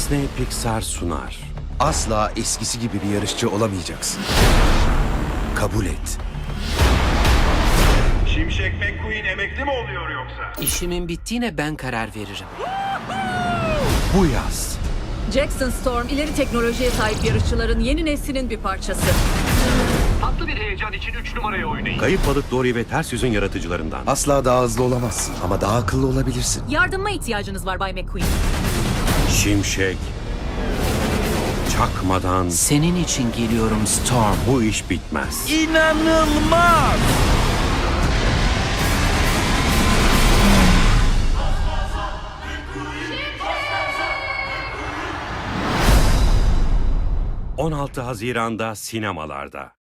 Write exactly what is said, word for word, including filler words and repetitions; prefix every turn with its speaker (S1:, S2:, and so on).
S1: Disney Pixar sunar.
S2: Asla eskisi gibi bir yarışçı olamayacaksın. Kabul et.
S3: Şimşek McQueen emekli mi oluyor yoksa?
S4: İşimin bittiğine ben karar veririm.
S1: Bu yaz
S5: Jackson Storm ileri teknolojiye sahip yarışçıların yeni neslinin bir parçası.
S3: Tatlı bir heyecan için üç numaraya oynayın.
S1: Kayıp Balık Dory ve Ters Yüz'ün yaratıcılarından.
S2: Asla daha hızlı olamazsın ama daha akıllı olabilirsin.
S5: Yardıma ihtiyacınız var Bay McQueen.
S1: Şimşek çakmadan
S4: Senin için geliyorum Storm.
S1: bu iş bitmez.
S2: İnanılmaz!
S1: on altı Haziran'da sinemalarda.